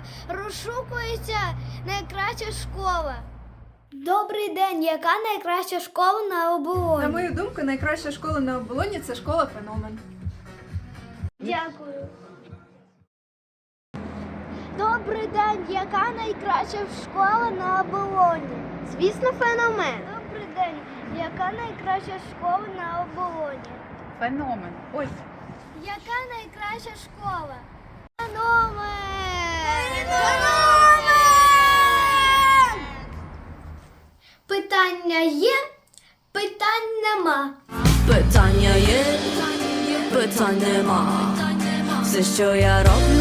розшукується найкраща школа. Добрий день, яка найкраща школа на оболоні? На мою думку, найкраща школа на оболоні – це школа «Феномен». Дякую. Добрий день, яка найкраща школа на оболоні? Звісно, «Феномен». Добрий день, яка найкраща школа на оболоні? «Феномен». Ось. Яка найкраща школа? Феномен! Феномен! Питання є, питань нема. Питання є, питань нема. Все, що я роблю,